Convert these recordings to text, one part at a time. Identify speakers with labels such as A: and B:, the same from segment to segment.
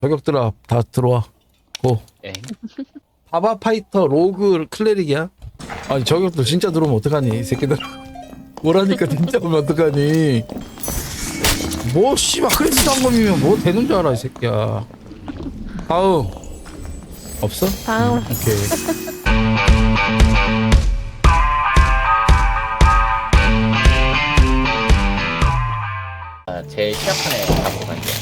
A: 저격들아 다 들어와. 고.
B: 엥?
A: 바바 파이터 로그 클레릭이야? 아니 저격들 진짜 들어오면 어떡하니 이 새끼들. 뭐라니까 진짜 오면 어떡하니. 뭐 씨발 크리스 단검이면 뭐 되는 줄 알아 이 새끼야. 다음. 없어?
C: 다음.
A: 오케이.
B: 아, 제일 취약한 애 잡고 갈게.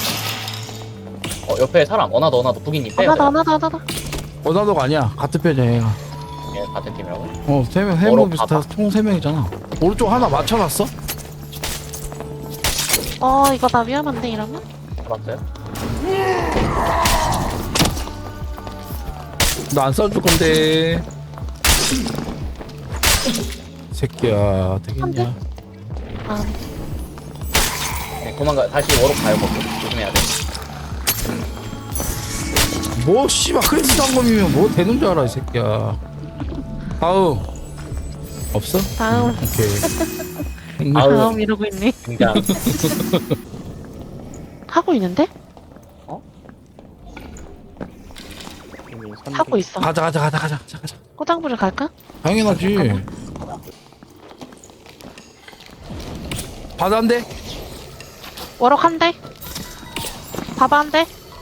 B: 옆에 사람. 어나도 북이님 빼야 돼.
C: 하나.
A: 어나도가 아니야. 같은 편이야 얘가.
B: 예, 같은 팀이라고?
A: 세 명,
B: 뭐로
A: 비슷하, 총 3명이잖아. 오른쪽 하나 맞춰놨어?
C: 이거 나 위험한데 이러면?
B: 잡았어요?
A: 나 안 쏴줄 건데. 새끼야, 되겠냐?
C: 아,
B: 네, 도망가. 다시 워로 가요, 거기. 조심해야 돼.
A: 뭐, 씨발, 크리스 단검이면 뭐 되는 줄 알아, 이 새끼야. 다음. 없어?
C: 다음.
A: 오케이.
B: 아우.
C: 다음 이러고 있네.
B: 등장.
C: 하고 있는데? 하고 있어.
A: 가자.
C: 꼬장부를 갈까?
A: 당연하지. 바다 한 대?
C: 워럭 한 대. 바바 한 대.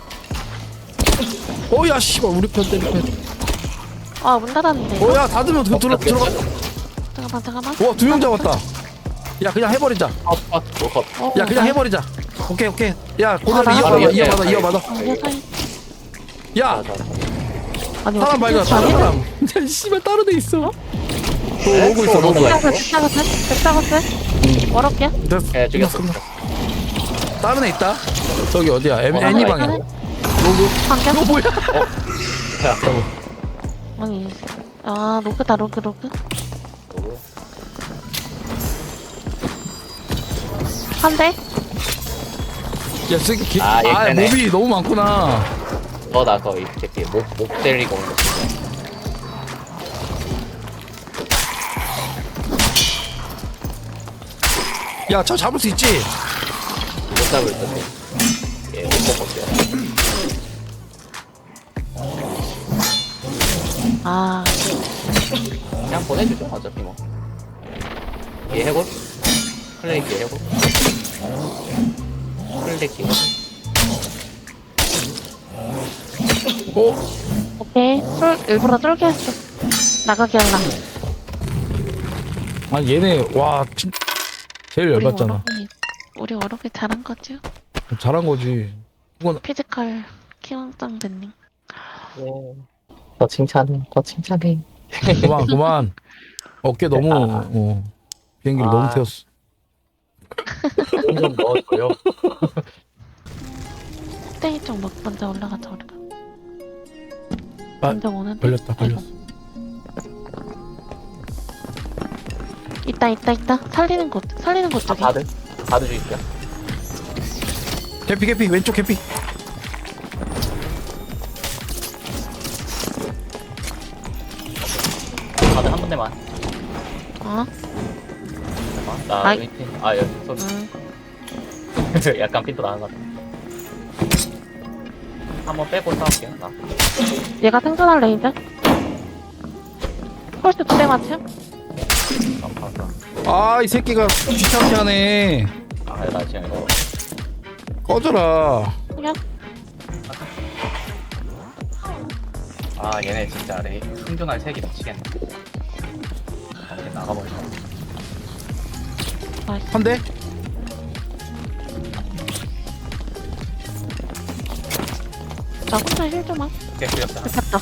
A: 야, 씨발, 우리 편 때리편.
C: 아, 문 닫았는데. 이거?
A: 야, 닫으면 들어가.
C: 잠깐만.
A: 와, 2명 잡았다. 야, 그냥 해버리자.
B: 컷.
A: 야, 그냥 해버리자. 오케이. 야, 고대로
C: 바로
A: 이어받아.
C: 세상에.
A: 야,
C: 아니,
A: 사람 발견.
C: 어떻게
A: 사람. 야, 씨발, 다른 애 있어. 오고 있어.
C: 백사거스? 워럭이야?
B: 예, 죽였어.
A: 다른 애 있다. 저기 어디야? 애니 방향. 로그.
C: 반격?
A: 이거 뭐야?
C: 아니, 로그다, 로그. 한 대?
A: 야, 새끼.
B: 얘 되네.
A: 몹이 너무 많구나.
B: 나 거의 이렇게 목 때리고 온 거.
A: 야, 저 잡을 수 있지?
B: 못 잡을 텐데. 예, 못 먹었어요.
C: 아,
B: 그냥 보내주죠, 어차피 뭐. 얘 해골? 클레이크 해골? 클레이크 해골?
C: 오케이. 일부러 쫄게 했어. 나가게 할라.
A: 아니, 얘네, 와, 제일 열받잖아.
C: 우리 워럭이 잘한 거죠?
A: 잘한 거지. 그건,
C: 피지컬 키왕짱 댄님.
B: 더 칭찬해.
A: 그만. 어깨 너무, 비행기를 너무 태웠어.
B: 좀 넣어줘요.
C: 땡이 쪽 먼저 올라가자, 우리가.
A: 아,
C: 먼저 오는데?
A: 걸렸다.
C: 있다. 살리는 곳 쪽에.
B: 바드 주입시오.
A: 개피, 왼쪽 개피.
B: 바드 한 군데만. 나
C: 아이.
B: 밑에. 여기 소리. 약간 핀도 나는 것 같아. 한번 빼고 싸울게요. 나.
C: 얘가 생존할래, 이제? 펄스 2대 맞춤?
A: 이 새끼가 귀찮게 하네.
B: 나 지금 이거.
A: 꺼져라.
C: 그냥?
B: 얘네 진짜 생존할 색이 미치겠네. 이렇게 나가버리자.
A: 한 대?
C: 나 혼자 힐 좀 하.
B: 오케이, 죽였다.
C: 됐다.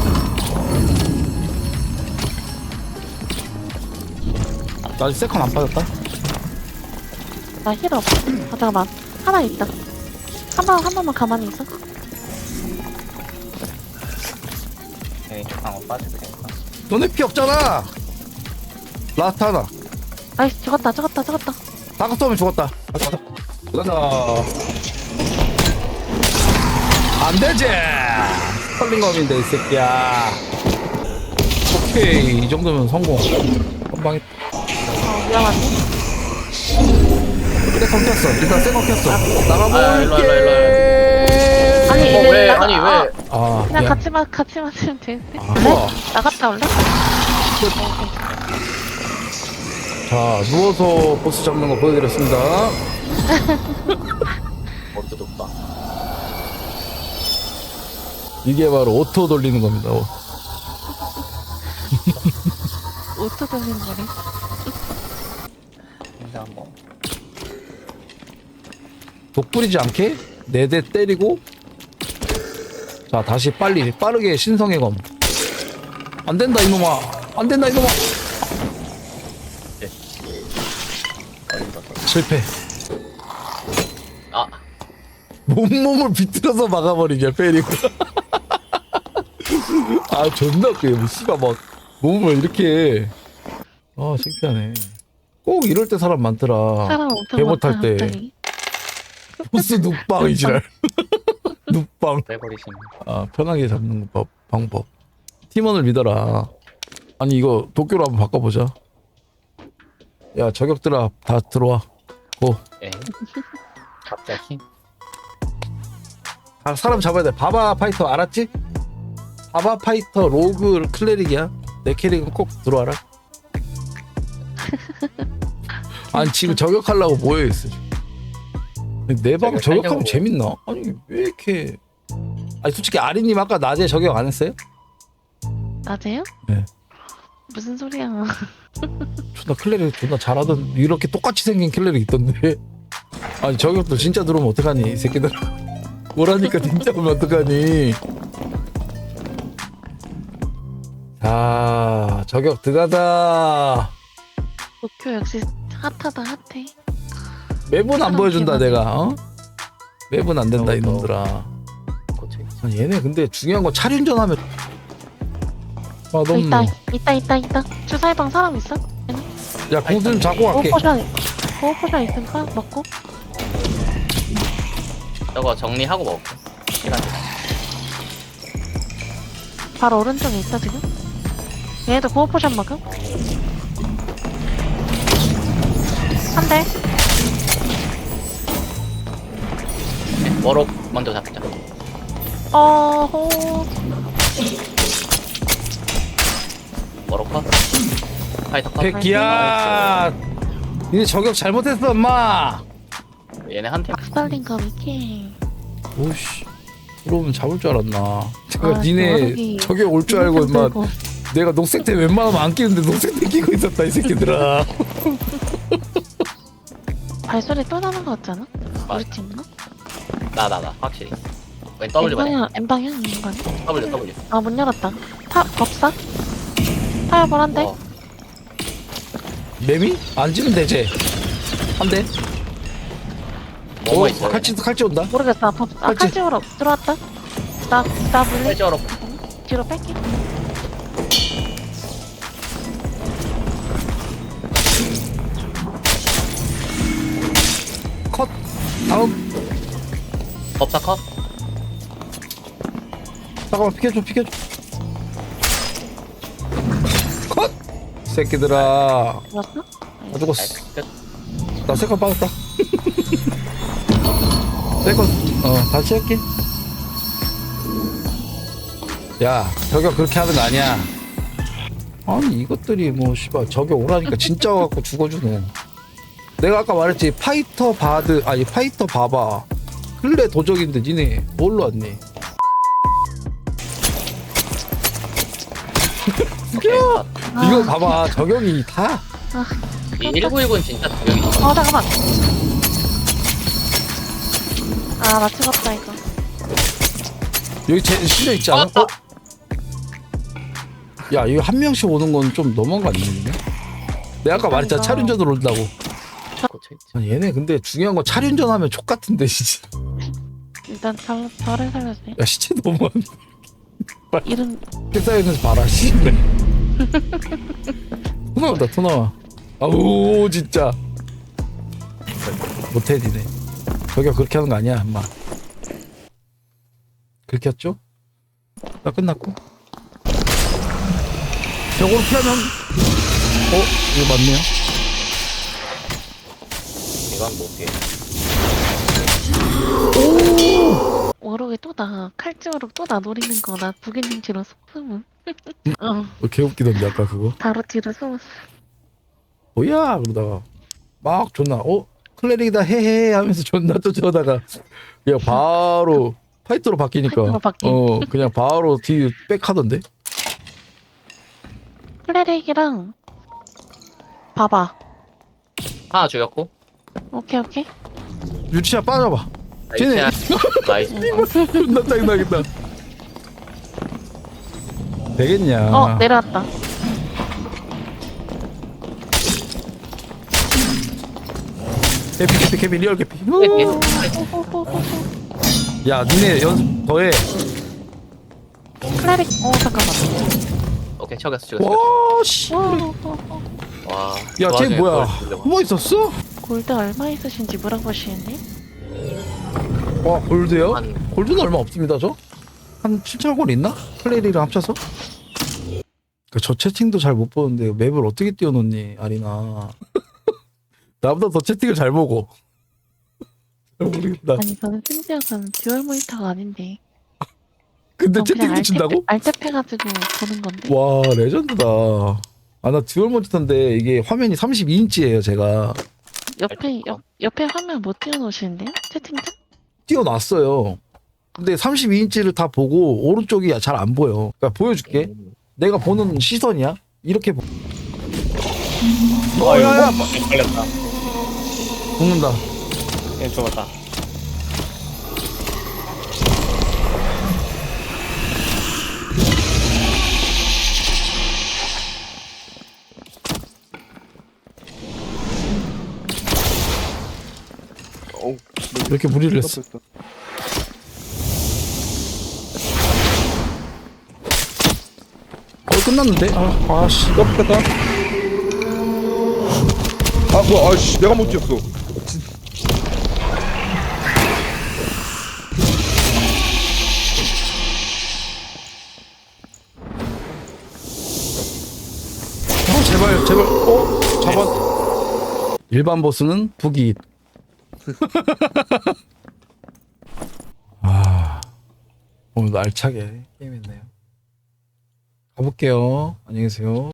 A: 나 아직 세컨 안 빠졌다.
C: 나 힐 없어. 잠깐만. 하나 있다. 한 번만 가만히 있어.
B: 오케이, 방어 빠질 테니까.
A: 너네 피 없잖아. 라스트 하나.
C: 아이씨, 죽었다.
A: 다크 쏘면 죽었다. 가자. 안 되지. 컬링검인데 이 새끼야. 오케이, 이 정도면 성공. 한방에
C: 위험하지?
A: 세컨 켰어. 일단 세컨 켰어.
B: 일로 와.
A: 나가볼게.
B: 아니 왜?
A: 아
C: 그냥
A: 미안.
C: 같이 맞으면 되는데.
A: 아,
C: 그래?
A: 우와.
C: 나갔다 올래?
A: 자 누워서 보스 잡는 거 보여드렸습니다.
B: 어도 높다.
A: 이게 바로 오토 돌리는 겁니다.
C: 오토 돌리는 거래.
B: 진짜 한번.
A: 독부리지 않게 4대 때리고 자 다시 빠르게 신성의 검. 안된다 이놈아, 안된다 이놈아. 실패.
B: 아
A: 몸을 비틀어서 막아버리냐 페리고. 아 존나 웃겨. 씨가 막 몸을 이렇게. 아 창피하네. 꼭 이럴 때 사람 많더라.
C: 사람 엄청
A: 개 못할
C: 많다,
A: 때.
C: 갑자기.
A: 보스 눕방이지랄. 눕방.
B: 빼버리시네.
A: 아 편하게 잡는 방법. 팀원을 믿어라. 아니 이거 도쿄로 한번 바꿔보자. 야 저격들아 다 들어와. 고.
B: 에? 갑자기?
A: 아, 사람 잡아야 돼. 바바 파이터 알았지? 바바 파이터 로그 클레릭이야. 내 캐릭은 꼭 들어와라. 아니 지금 저격하려고 모여있어. 내 방 저격하면
B: 저격하려고.
A: 재밌나? 아니 왜 이렇게. 아니 솔직히 아리님 아까 낮에 저격 안 했어요?
C: 낮에요?
A: 네.
C: 무슨 소리야?
A: 존나 클레릭 존나 잘하던 이렇게 똑같이 생긴 클레릭 있던데. 아니 저격도 진짜 들어오면 어떡하니 이 새끼들. 오라니까 진짜 오면 어떡하니. 자 저격 들어가자.
C: 도쿄 역시 핫하다 핫해.
A: 매분 안
C: 사람
A: 보여준다
C: 개많네.
A: 내가. 어? 매분 안 된다 이놈들아.
B: 고쳐.
A: 아니, 얘네 근데 중요한 건 차륜전하면. 아 너무.
C: 있다. 주사위방 사람 있어?
A: 야 공수 좀 잡고 갈게.
C: 보호포션 있으니까 먹고.
B: 저거 정리하고 먹을게. 시간 돼.
C: 바로 오른쪽에 있다 지금. 얘네도 보호포션 먹음. 한 대.
B: 워록 먼저 잡자.
C: 어호.
B: 워록 컷. 파이터 컷.
A: 백기야. 니네 저격 잘못했어 엄마.
B: 얘네 한 팀.
C: 박살린 거 이렇게.
A: 오씨. 그러면 잡을 줄 알았나. 제가
C: 아,
A: 니네
C: 워럭이
A: 저격 올 줄 알고 임마. 내가 녹색대 웬만하면 안 끼는데 녹색대 끼고 있었다 이 새끼들아.
C: 발소리 또 나는 거 같잖아?
B: 맞아.
C: 우리 팀인가?
B: 나 확실히. 왼 W 반에.
C: N방향 인간.
B: W.
C: 아, 문 열었다. 법사? 타협을 한대?
B: 어.
A: 매미? 안 지면 되지. 한 대.
B: 뭐뭐 있어?
A: 칼치 온다.
C: 모르겠어. 법사. 아,
A: 칼집.
C: 칼집으로 들어왔다. 나 물리.
B: 칼집 워록.
C: 뒤로 뺄게.
A: 컷. 다음.
B: 법사 컷.
A: 잠깐만 피켜줘. 컷. 새끼들아.
C: 죽었어?
A: 나 죽었어.
B: 나이스. 끝.
A: 나 세컨 빠졌다. 세컨. 다시 할게. 야 저격 그렇게 하는 거 아니야. 아니 이것들이 뭐 씨발 저격 오라니까 진짜 와갖고 죽어주노. 내가 아까 말했지 파이터 바드 아니 파이터 바바 클레 도적인데 니네 뭘로 왔니?
B: 오케이. 컷.
A: 이거 봐봐 저격이 다.
B: 이 1919는 진짜 저격이 있어.
C: 잠깐만. 아, 나 죽었다, 이거.
A: 여기 제 실려 있지 않아?
B: 어?
A: 야 이거 한 명씩 오는 건 좀 너무한 거 아니냐? 내가 아까 말했잖아 차륜전으로 온다고.
B: 고쳐 있지.
A: 아니, 얘네 근데 중요한 건 차륜전 하면 족 같은데 진짜.
C: 일단 저를 살려주세요.
A: 야 시체 너무
C: 이름,
A: 쌓여있는지 봐라 씨. 토 나온다 토 나와. 아우 진짜 못해 니네. 저기가 그렇게 하는 거 아니야 엄마. 그렇게 했죠? 나 끝났고 저거로 피하면 이거 맞네요.
B: 이건 못 피해.
C: 워로 지옥에 또 나 칼집으로 또 나 노리는 거 나 부기님 뒤로 숨음.
A: 개웃기던데 아까 그거.
C: 바로 뒤로 숨었어.
A: 뭐야 그러다가 막 존나 클레릭이다 헤헤 하면서 존나 쫓아오다가 그냥 바로 파이터로 바뀌니까
C: 파이터로 바뀐.
A: 그냥 바로 뒤 백하던데.
C: 클레릭이랑 봐봐.
B: 하나 죽였고.
C: 오케이 오케이.
A: 유치야 빠져봐. 쟤네.
B: 나이스.
A: 존나 짜증나겠다. 되겠냐.
C: 내려왔다.
A: 개피 리얼 개피.
C: 호호호호.
A: 야 니네 연습 더해.
C: 클레릭 잠깐만.
B: 오케이 죽였어.
A: 와 씨.
C: 호호호호.
B: 와.
A: 야 쟤 뭐야? 숨어 있었어?
C: 골드 얼마 있으신지 물어보시는데?
A: 와 골드요?
B: 한
A: 골드는 얼마 없습니다 저? 한 7천 골 있나? 클레리랑 합쳐서? 저 채팅도 잘 못 보는데 맵을 어떻게 띄워놓니 아리나. 나보다 더 채팅을 잘 보고. 잘 모르겠다.
C: 아니 저는 심지어는 듀얼 모니터가 아닌데.
A: 근데
C: 전
A: 채팅
C: 그냥
A: 붙인다고?
C: 알탭해가지고 보는 건데.
A: 와 레전드다. 아 나 듀얼 모니터인데 이게 화면이 32인치예요 제가.
C: 옆에 화면 못 띄워놓으시는데요? 채팅창?
A: 띄워놨어요. 근데 32인치를 다 보고 오른쪽이 잘 안 보여. 그러니까 보여줄게. 내가 보는 시선이야. 이렇게 보. 야야
B: 걸렸다.
A: 죽는다.
B: 얘 죽었다.
A: 이렇게 무리를 했어. 끝났는데? 아씨
D: 떴다. 아 뭐야? 아씨 내가 못 뛰었어.
A: 제발 잡아. 일반 보스는 북이. 오늘 알차게 게임했네요. 가볼게요. 안녕히 계세요.